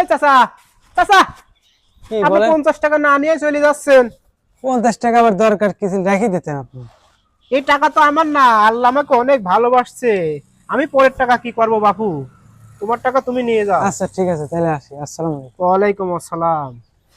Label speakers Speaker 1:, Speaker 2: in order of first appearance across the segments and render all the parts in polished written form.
Speaker 1: চাচা চাচা,
Speaker 2: কি
Speaker 1: আপনি
Speaker 2: বলেন?
Speaker 1: 50 টাকা না নিয়ে চলে যাচ্ছেন।
Speaker 2: 50 টাকা আবার দরকার কিছু রেখে দিতেন আপনি।
Speaker 1: এই টাকা তো আমার না, আল্লাহ আমাকে অনেক ভালোবাসছে। আমি পরের টাকা কি করব বাপু, তোমার টাকা তুমি নিয়ে যাও।
Speaker 2: আচ্ছা ঠিক আছে, তাহলে আসি। আসসালামু আলাইকুম।
Speaker 1: ওয়ালাইকুম আসসালাম।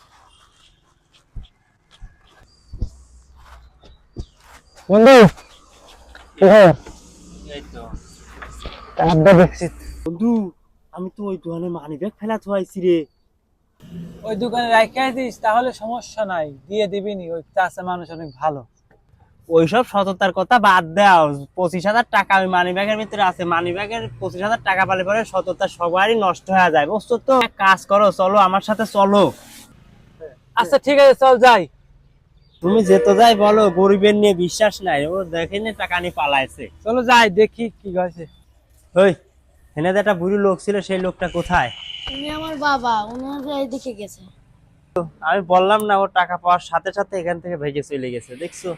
Speaker 2: বন্ধু কোথায়?
Speaker 3: এই তো
Speaker 2: আড্ডা দেখছি।
Speaker 3: বন্ধু, আমি তো ওই দোকানে মানি ব্যাগ ফেলা থুয়াইছি রে।
Speaker 2: ওই দোকানে রাখা দিস, তাহলে সমস্যা নাই, দিয়ে দিবি নি। ওই চাষা মানুষ অনেক ভালো।
Speaker 3: ওইসব সততার কথা বাদ দাও। 25,000 টাকা ওই মানি ব্যাগের ভিতরে আছে। মানি ব্যাগের 25,000 টাকা পালে পরে সততা সবারই নষ্ট হয়ে যায়, বুঝছো তো? এক কাজ করো, চলো আমার সাথে চলো।
Speaker 2: আচ্ছা ঠিক আছে, চল যাই।
Speaker 3: তুমি যেতে যাই বলো, গরিবের নিয়ে বিশ্বাস নাই। ও দেখেনি টাকা নিয়ে পালাইছে।
Speaker 2: চলো যাই, দেখি কি হয়েছে।
Speaker 3: ওই এনে যে একটা বুড়ি লোক ছিল, সেই লোকটা কোথায়?
Speaker 4: উনি আমার বাবা, ওনারা এইদিকে গেছে।
Speaker 3: আমি বললাম না, ও টাকা পাওয়ার সাথে সাথে এখান থেকে ভেগে চলে গেছে, দেখছো?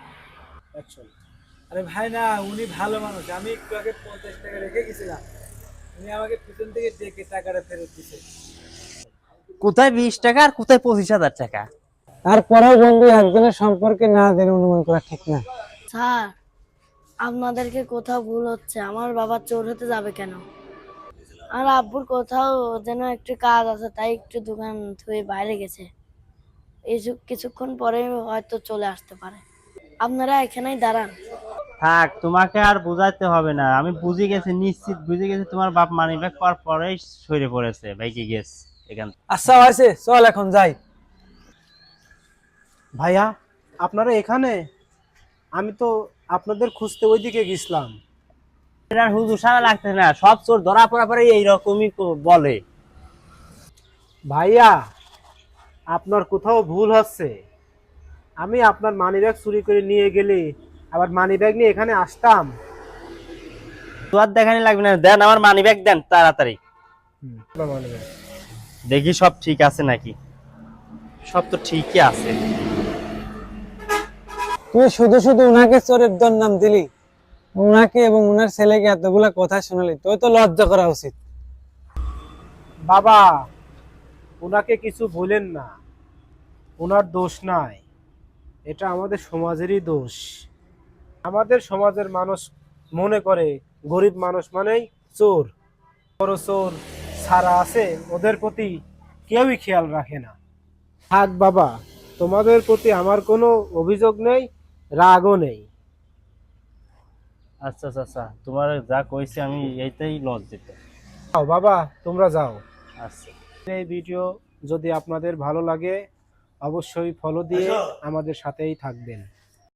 Speaker 2: আরে ভাই না, উনি ভালো মানুষ। আমি একটু আগে 50 টাকা রেখে গেছিলাম, উনি আমাকে পিছন থেকে ডেকে টাকাটা ফেরত দিছে।
Speaker 3: কোথায় 20 টাকা আর কোথায় 25,000 টাকা?
Speaker 2: তারপরেও বন্ধু, একজনের সম্পর্কে না জেনে অনুমান করা ঠিক না।
Speaker 4: স্যার, আপনাদেরকে কোথাও ভুল হচ্ছে। আমার বাবা চোর হতে যাবে কেন? আর আব্বুর কোথাও যেন একটু কাজ আছে, তাই একটু দোকান থুয়ে বাইরে গেছে। কিছুক্ষণ পরে হয়তো চলে আসতে পারে। আপনারা এখানেই দাঁড়ান।
Speaker 3: থাক, তোমাকে আর বোঝাইতে হবে না। আমি বুঝে গেছি, নিশ্চিত বুঝে গেছি তোমার বাপ মানি ব্যাগ পাওয়ার পরেই সরে পড়েছে, ভাইকে গেছে এখান থেকে।
Speaker 2: আচ্ছা হয়েছে, চল এখন যাই।
Speaker 1: ভাইয়া, আপনারা এখানে? আমি তো আপনাদের খুঁজতে ওইদিকে গেছিলাম।
Speaker 3: আর হুজুর সারা লাগতে না, সব চোর ধরা পড়া পরে এইরকমই বলে।
Speaker 1: ভাইয়া, আপনার কোথাও ভুল হচ্ছে। আমি আপনার মানিব্যাগ চুরি করে নিয়ে গেলে আবার মানিব্যাগ নিয়ে এখানে আসতাম?
Speaker 3: তো আর দেখানি লাগবে না, দেন আমার মানি ব্যাগ দেন তাড়াতাড়ি।
Speaker 1: আপনার মানিব্যাগ
Speaker 3: দেখি সব ঠিক আছে নাকি। সব তো ঠিকই আছে।
Speaker 2: তুই শুধু শুধু উনাকে চোরের নাম দিলি, উনাকে এবং উনার ছেলেকে এতগুলা কথা শোনালি, তোর তো লজ্জা করা উচিত।
Speaker 1: বাবা, ওনাকে কিছু বলেন না, ওনার দোষ নাই। এটা আমাদের সমাজেরই দোষ। আমাদের সমাজের মানুষ মনে করে গরিব মানুষ মানেই চোর। বড় চোর ছাড়া আছে, ওদের প্রতি কেউই খেয়াল রাখে না। থাক বাবা, তোমাদের প্রতি আমার কোনো অভিযোগ নেই, রাগও নেই।
Speaker 3: আচ্ছা আচ্ছা, তোমার যা কইছে আমি এইটাই লজ্জিত।
Speaker 1: যাও বাবা, তোমরা যাও।
Speaker 3: আচ্ছা।
Speaker 1: এই ভিডিও যদি আপনাদের ভালো লাগে অবশ্যই ফলো দিয়ে আমাদের সাথেই থাকবেন।